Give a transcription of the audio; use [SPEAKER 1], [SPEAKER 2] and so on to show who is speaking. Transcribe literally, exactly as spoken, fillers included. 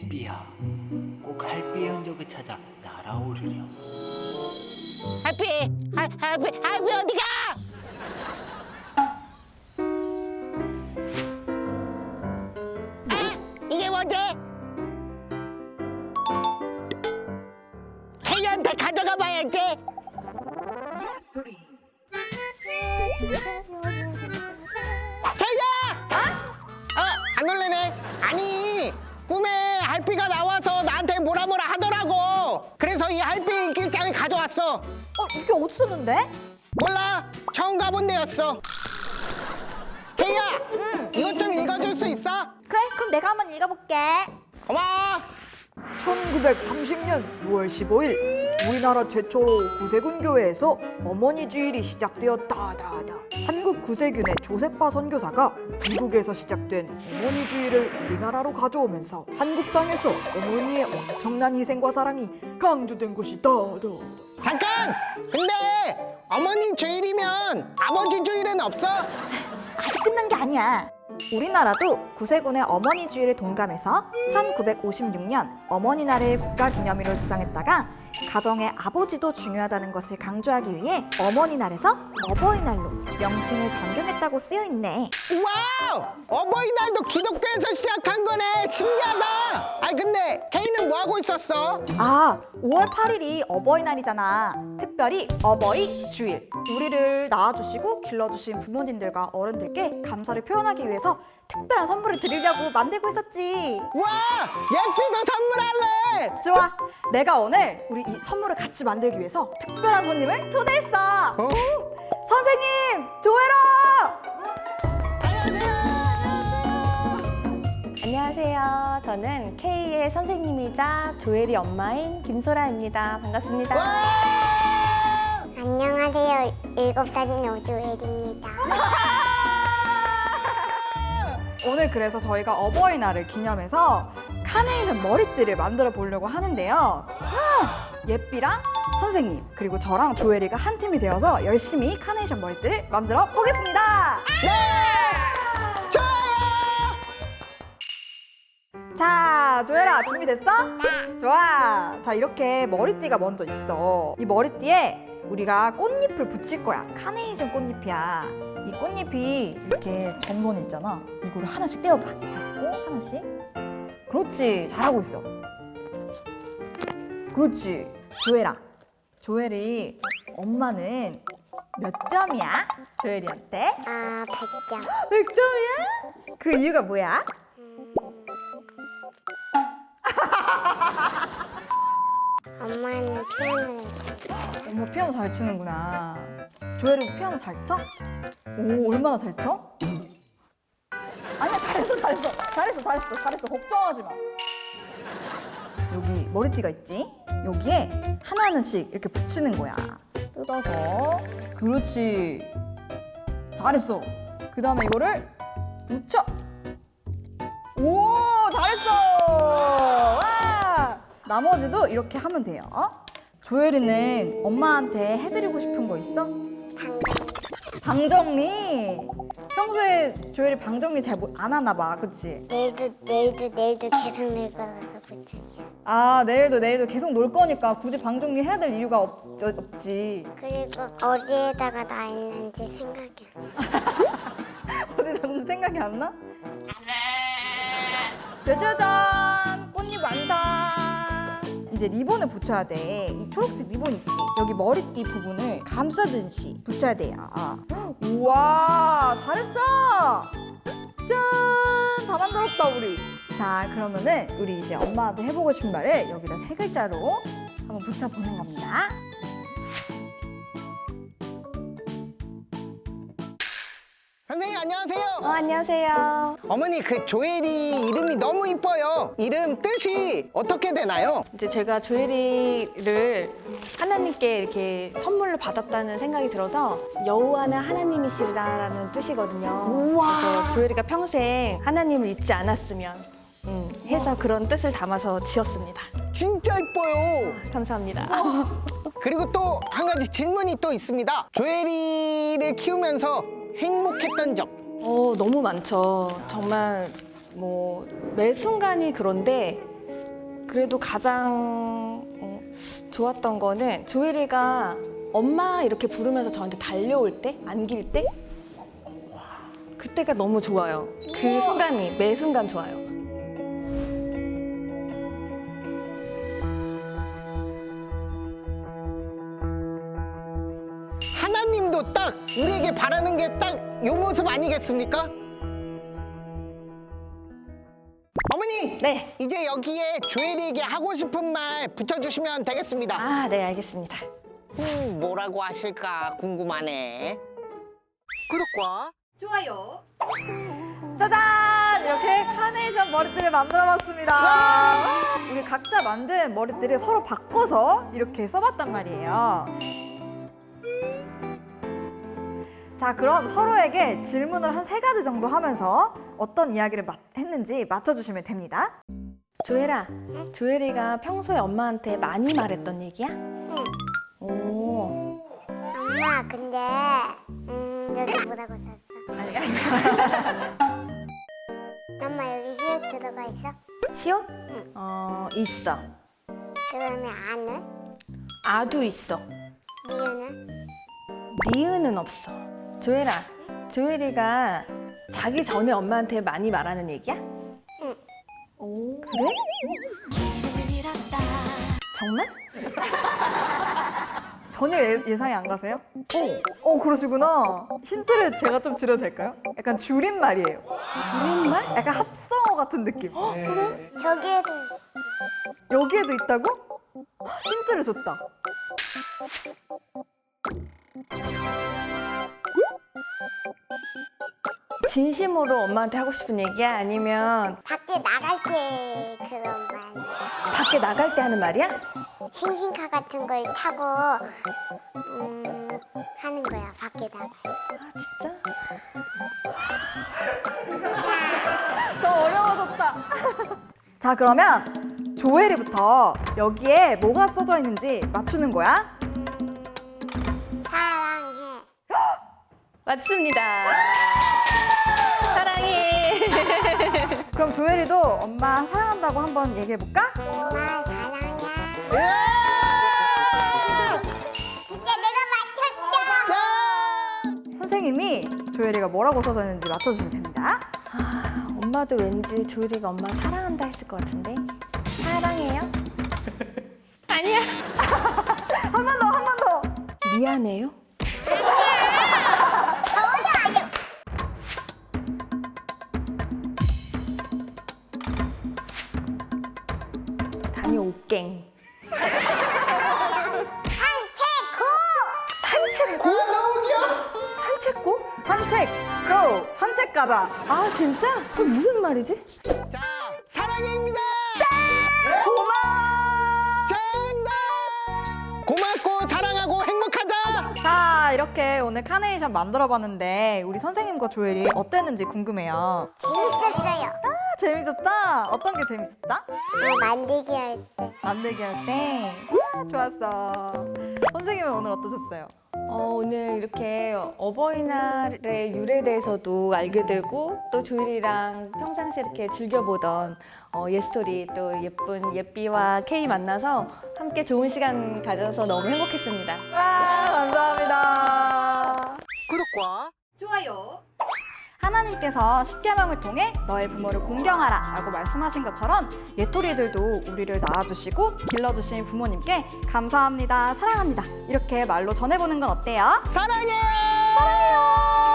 [SPEAKER 1] 예삐야, 꼭 할피의 흔적을 찾아 날아오르렴.
[SPEAKER 2] 할피! 할, 할피! 할피 어디가? 아! 이게 뭐지? 혜리한테 가져가 봐야지. 혜리야! 어? 어? 안 놀래네. 아니, 꿈에 할피가 나와서 나한테 뭐라 뭐라 하더라고. 그래서 이 할피 인기장을 가져왔어.
[SPEAKER 3] 어, 이게 어디서 썼는데?
[SPEAKER 2] 몰라, 처음 가본 데였어. 혜리야,
[SPEAKER 3] 응.
[SPEAKER 2] 이것 좀 읽어줄 수 있어?
[SPEAKER 3] 그래, 그럼 내가 한번 읽어볼게.
[SPEAKER 2] 고마워.
[SPEAKER 4] 천구백삼십 년 유월 십오일 우리나라 최초로 구세군 교회에서 어머니 주일이 시작되었다. 다다. 한국 구세군의 조세파 선교사가 미국에서 시작된 어머니 주일을 우리나라로 가져오면서 한국 땅에서 어머니의 엄청난 희생과 사랑이 강조된 것이다. 다.
[SPEAKER 2] 잠깐! 근데 어머니 주일이면 아버지 주일은 없어?
[SPEAKER 3] 아직 끝난 게 아니야. 우리나라도 구세군의 어머니 주일에 동감해서 천구백오십육 년 어머니 날을 국가기념일로 지정했다가 가정의 아버지도 중요하다는 것을 강조하기 위해 어머니 날에서 어버이날로 명칭을 변경했다고 쓰여 있네.
[SPEAKER 2] 와우! 어버이날도 기독교에서 시작한 거네. 신기하다. 아니 근데 케이는 뭐 하고 있었어?
[SPEAKER 3] 아, 오월 팔일이 어버이날이잖아. 특별히 어버이 주일. 우리를 낳아주시고 길러주신 부모님들과 어른들께 감사를 표현하기 위해서 특별한 선물을 드리려고 만들고 있었지.
[SPEAKER 2] 와! 예삐도 선물할래.
[SPEAKER 3] 좋아. 내가 오늘 우리 이 선물을 같이 만들기 위해서 특별한 손님을 초대했어.
[SPEAKER 2] 어?
[SPEAKER 3] 선생님, 조회라!
[SPEAKER 5] 안녕하세요. 저는 K의 선생님이자 조엘이 엄마인 김소라입니다. 반갑습니다.
[SPEAKER 2] 와!
[SPEAKER 6] 안녕하세요. 일곱 살인 오조엘입니다.
[SPEAKER 4] 오늘 그래서 저희가 어버이날을 기념해서 카네이션 머리띠를 만들어 보려고 하는데요. 아, 예삐랑 선생님 그리고 저랑 조엘이가 한 팀이 되어서 열심히 카네이션 머리띠를 만들어 보겠습니다. 자, 조엘아 준비됐어? 네. 좋아. 자, 이렇게 머리띠가 먼저 있어. 이 머리띠에 우리가 꽃잎을 붙일 거야. 카네이션 꽃잎이야. 이 꽃잎이 이렇게 점선이 있잖아. 이거를 하나씩 떼어봐. 잡고 하나씩. 그렇지. 잘하고 있어. 그렇지. 조엘아. 조엘이 엄마는 몇 점이야? 조엘이한테?
[SPEAKER 6] 아, 백 점.
[SPEAKER 4] 백 점이야? 그 이유가 뭐야?
[SPEAKER 6] 엄마는 피아노를 잘
[SPEAKER 4] 엄마 피아노 잘 치는구나. 조엘이도 피아노 잘 쳐? 오, 얼마나 잘 쳐? 아니야, 잘했어, 잘했어. 잘했어, 잘했어, 잘했어. 걱정하지 마. 여기 머리띠가 있지? 여기에 하나하나씩 이렇게 붙이는 거야. 뜯어서. 그렇지. 잘했어. 그 다음에 이거를 붙여. 오, 잘했어. 와. 나머지도 이렇게 하면 돼요. 조엘이는 엄마한테 해드리고 싶은 거 있어?
[SPEAKER 6] 당근.
[SPEAKER 4] 방정리. 평소에 조엘이 방정리 잘 안 하나 봐, 그치?
[SPEAKER 6] 내일도, 내일도, 내일도 계속 늘 거라서 걱정이야.
[SPEAKER 4] 아, 내일도 내일도 계속 놀 거니까 굳이 방정리 해야 될 이유가 없, 없지.
[SPEAKER 6] 그리고 어디에다가 나 있는지 생각이 안 나.
[SPEAKER 4] 어디 놨는지 생각이 안 나? 짜자잔! 꽃잎 완성! 이제 리본을 붙여야 돼. 이 초록색 리본 있지? 여기 머리띠 부분을 감싸듯이 붙여야 돼요. 우와, 잘했어! 짠! 다 만들었다, 우리. 자, 그러면은 우리 이제 엄마한테 해보고 싶은 말을 여기다 세 글자로 한번 붙여보는 겁니다.
[SPEAKER 2] 선생님 안녕하세요.
[SPEAKER 5] 어, 안녕하세요.
[SPEAKER 2] 어머니 그 조엘이 이름이 너무 이뻐요. 이름 뜻이 어떻게 되나요?
[SPEAKER 5] 이제 제가 조엘이를 하나님께 이렇게 선물로 받았다는 생각이 들어서 여호와는 하나님이시라는 뜻이거든요. 그래서 조엘이가 평생 하나님을 잊지 않았으면 음, 해서 그런 뜻을 담아서 지었습니다.
[SPEAKER 2] 진짜 이뻐요.
[SPEAKER 5] 감사합니다.
[SPEAKER 2] 그리고 또 한 가지 질문이 또 있습니다. 조엘이를 키우면서 행복했던 점.
[SPEAKER 5] 어, 너무 많죠. 정말 뭐 매 순간이 그런데 그래도 가장 어, 좋았던 거는 조혜리가 엄마 이렇게 부르면서 저한테 달려올 때, 안길 때 그때가 너무 좋아요. 그 순간이 매 순간 좋아요.
[SPEAKER 2] 하나님도 딱 우리에게 바라는 게 딱 요 모습 아니겠습니까? 어머니,
[SPEAKER 5] 네.
[SPEAKER 2] 이제 여기에 조혜리에게 하고 싶은 말 붙여주시면 되겠습니다.
[SPEAKER 5] 아, 네, 알겠습니다.
[SPEAKER 2] 음, 뭐라고 하실까 궁금하네. 구독과
[SPEAKER 3] 좋아요. 짜잔! 이렇게 카네이션 머리띠를 만들어봤습니다. 우리 각자 만든 머리띠를 서로 바꿔서 이렇게 써봤단 말이에요. 자, 그럼 서로에게 질문을 한 세 가지 정도 하면서 어떤 이야기를 마- 했는지 맞춰주시면 됩니다.
[SPEAKER 5] 조혜라, 조혜리가 평소에 엄마한테 많이 말했던 얘기야?
[SPEAKER 6] 응.
[SPEAKER 5] 오.
[SPEAKER 6] 엄마 근데 음 여기 뭐라고 썼어?
[SPEAKER 5] 아니, 아니.
[SPEAKER 6] 엄마 여기 히읗 들어가 있어?
[SPEAKER 5] 시옷? 어, 있어.
[SPEAKER 6] 그러면 아는?
[SPEAKER 5] 아도 있어.
[SPEAKER 6] 니은은?
[SPEAKER 5] 니은은 없어. 조혜라, 조혜리가 자기 전에 엄마한테 많이 말하는 얘기야?
[SPEAKER 6] 응.
[SPEAKER 5] 오, 그래? 정말?
[SPEAKER 3] 전혀 예, 예상이 안 가세요? 어, 어 그러시구나. 힌트를 제가 좀 드려도 될까요? 약간 줄임말이에요.
[SPEAKER 5] 줄임말?
[SPEAKER 3] 약간 합성어 같은 느낌.
[SPEAKER 6] 저기에도
[SPEAKER 3] 여기에도 있다고? 힌트를 줬다.
[SPEAKER 5] 진심으로 엄마한테 하고 싶은 얘기야? 아니면
[SPEAKER 6] 밖에 나갈 때 그런 말.
[SPEAKER 5] 밖에 나갈 때 하는 말이야?
[SPEAKER 6] 싱싱카 같은 걸 타고 음 하는 거야 밖에다가.
[SPEAKER 5] 아, 진짜?
[SPEAKER 3] 더 어려워졌다. 자, 그러면 조혜리부터 여기에 뭐가 써져 있는지 맞추는 거야.
[SPEAKER 6] 사랑해.
[SPEAKER 5] 맞습니다. 사랑해.
[SPEAKER 3] 그럼 조혜리도 엄마 사랑한다고 한번 얘기해볼까?
[SPEAKER 6] 엄마 사랑해.
[SPEAKER 2] 예!
[SPEAKER 6] 진짜 내가 맞췄다.
[SPEAKER 3] 선생님이 조혜리가 뭐라고 써져 있는지 맞춰주시면 됩니다.
[SPEAKER 5] 아, 엄마도 왠지 조혜리가 엄마 사랑한다 했을 것 같은데. 사랑해요? 아니야.
[SPEAKER 3] 한 번 더, 한 번 더.
[SPEAKER 5] 미안해요? 다녀올갱.
[SPEAKER 6] 산책고.
[SPEAKER 5] 산책고? 산책고?
[SPEAKER 3] 산책, 고! 산책 가자.
[SPEAKER 5] 아, 진짜? 그게 무슨 말이지?
[SPEAKER 2] 자, 사랑해입니다.
[SPEAKER 3] 고마워!
[SPEAKER 2] 정답! 고맙고 사랑하고 행복하자.
[SPEAKER 3] 자, 이렇게 오늘 카네이션 만들어봤는데 우리 선생님과 조혜리 어땠는지 궁금해요.
[SPEAKER 6] 재밌었어요.
[SPEAKER 3] 아, 재밌었다? 어떤 게 재밌었다?
[SPEAKER 6] 어, 만들기 할 때.
[SPEAKER 3] 만들기 할 때? 아, 좋았어. 선생님은 오늘 어떠셨어요?
[SPEAKER 5] 어, 오늘 이렇게 어버이날의 유래에 대해서도 알게 되고 또 조율이랑 평상시에 이렇게 즐겨보던 어, 옛소리 또 예쁜 예삐와 케이 만나서 함께 좋은 시간 가져서 너무 행복했습니다.
[SPEAKER 3] 와, 감사합니다.
[SPEAKER 2] 구독과
[SPEAKER 3] 좋아요. 하나님께서 십계명을 통해 너의 부모를 공경하라 라고 말씀하신 것처럼 옛토리들도 우리를 낳아주시고 길러주신 부모님께 감사합니다, 사랑합니다 이렇게 말로 전해보는 건 어때요?
[SPEAKER 2] 사랑해요.
[SPEAKER 3] 사랑해요.